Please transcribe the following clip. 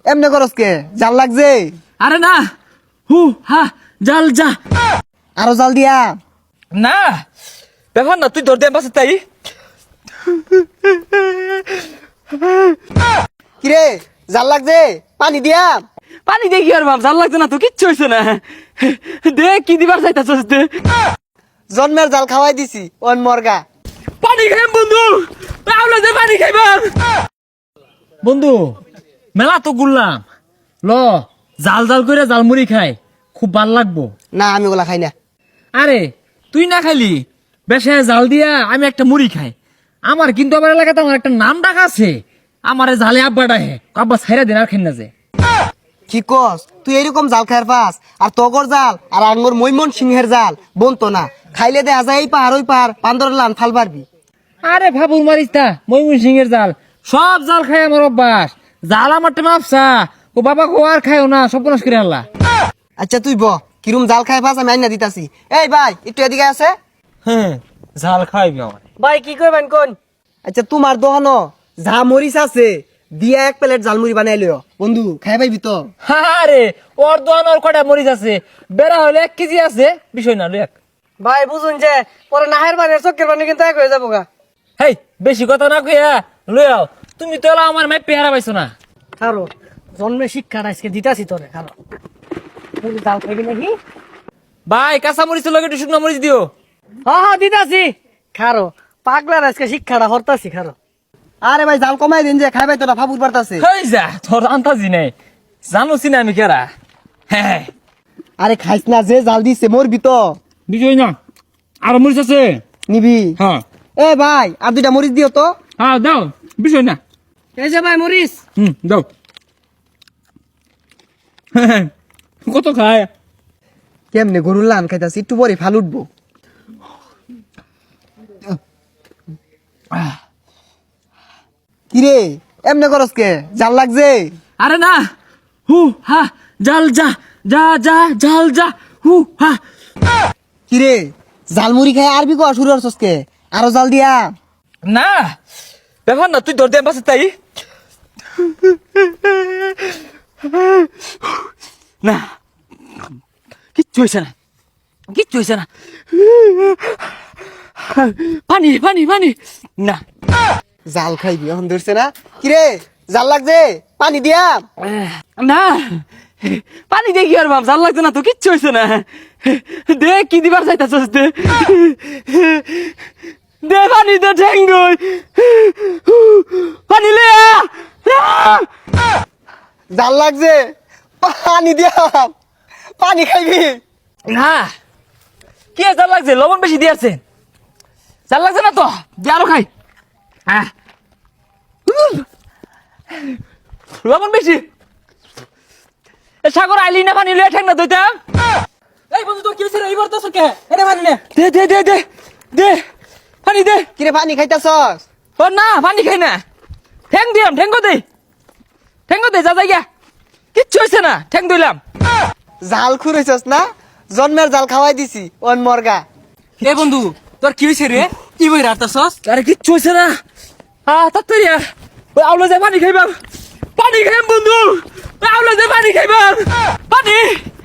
এমনে করস কে? জাল লাগছে? আরে না, হু হা জাল যা। আরো জাল দিয়া। না ব্যাপার না, তুই ধর দে পাশে তাই। কিরে জাল লাগছে? পানি দিয়া। পানি দেখি আর বাপ, জাল লাগছে না তো, কিচ্ছু হয়েছে না। দে কি দিবার চাইতাছস দে। জন্মের জাল খাওয়াই দিছি ওন মর্গা। পানি খাইম বন্ধু, আউলা দে পানি খাইবাম। বন্ধু মেলা তো ঘুরলাম, ল জাল জাল করে জালমুড়ি খাই, খুব ভাল লাগবো। না আমি ওগুলা খাই না। আরে তুই না খাইলি, বেশে জাল দিয়া আমি একটা মুড়ি খাই। আমার কিন্তু আমার এলাকাতে আমার একটা নাম ডাক আছে, আমারে জালে আব্বা ডাহে, আব্বা ছাইরা দিন আর খাই না যে। কি কস? তুই এরকম জাল খাইর পাস আর তগর জাল আর আঙ্গুর মৈমন সিংহের জাল বনতো না। খাইলে দেখা যায় এই পাহাড় ওই পাহাড় বান্দর লান ফাল পারবি। আরে ভাবুর মারিস তা, ময়মন সিংহের জাল সব জাল খাই আমার অভ্যাস। জাল আমার টেমা আপসা, ও বাবা কো আর খাইও না, সব নাশ করে আল্লাহ। আচ্ছা তুই কিরম জাল খাই পাস আমি আইনা দিতাছি। এই ভাই একটু এদিকে আছে। হ্যাঁ জাল খাইবি আমার। ভাই কি করবেন কোন? আচ্ছা তোমার দোকানো যা মরিচ আছে দিয়া এক প্লেট জালমুড়ি বানাই লিও বন্ধু, খাই পাইবি তো? আরে ওর দোয়ান ওর কটা মরিচ আছে, বেড়া হলে 1 কেজি আছে, বিষয় না লই এক। ভাই বুঝুন যে পরে নাহের বাড়ি চক্কের বানি কিন্তু এক হয়ে যাবো গা। হেই বেশি কথা না কইয়া লই আও, তুমি তো এলা আমার মাই পেহারা পাইছো না। খারো জন্মে শিক্ষাটা আজকে দিতাছি তোরে, খারো জাল খাইবি নাকি? ভাই কাঁচা মরিচ লগে একটু শুকনো মরিচ দিও। হ্যাঁ দিতাছি। খারো পাগলার আজকে শিক্ষাটা হরতাছি, খারো। আরে ভাই জাল কমাই দিন যে খাইবাই তোরা ফাবুর পারতাছে। হেই যা তোর আন্তাজি নেই, জানোছি না আমি কেরা। হ্যাঁ আরে খাইস না, যে জাল দিছে মরবি তো। বিষয় না, আর মরিচ আছে নিবি? হ্যাঁ। এ ভাই আর দুইটা মরিচ দিও তো। হ্যাঁ দাও, বিষয় না। এই যে ভাই মরিচ। দাও। কত খায়? কেমনে গরুর লান খাইতাছি, একটু পরে ফাল উঠবো। কিরে এমনে করস কে? জাল লাগছে? আরে না, হু হা জাল যা যা যা জাল যা হু হা। কিরে জালমুড়ি খাই আরবি কোয়া শুরু করছস কে? আরো জাল দিয়া। না ব্যাপার না, তুই ধর দে পাশে তাই। না কিচ্ছু হয়েছে না, কিচ্ছু হয়েছে না। পানি পানি পানি। না জাল খাইবি এখন ধরছে না? কিরে জাল লাগছে? পানি দিয়া। না পানি দেখি আর বাপ, জাল লাগছে না তো, কিচ্ছু হয়েছে না। দে কি দিবার চাইতাছস দে, দে পানি দে, ঠেঙ্গই পানি লে আ। জাল লাগছে, পানি দিয়া। পানি খাইবি? না কি জাল লাগছে, লবণ বেশি দিয়েছে। জাল লাগছে না তো, দিয়ে আরো খাই। লবণ বেশি। সাগর আইলি না পানি লয়ে ঠেক না দইতাম। এই বন্ধু তো কি হইছে রে, এইবার তো সরকে এটা পানি নে। দে দে দে দে দে পানি দে। কিরে পানি খাইতাছস? ও না পানি খাই না, ঠ্যাং দিলাম, ঠ্যাঙ্গো দে যা যাই গা, কিচ্ছু হয়েছে না, ঠ্যাং দিলাম। জাল খুঁড়েছস না? জন্মের জাল খাওয়াই দিছি ওন মর্গা। এ বন্ধু তোর কি হয়েছে রে, কি বই রাতাছস? আরে কিচ্ছু হয়েছে না, তাড়াতাড়ি ওই আউলা যায় পানি খাইবাম, পানি খাইম বন্ধু, আউলা যায় পানি খাইবাম, পানি।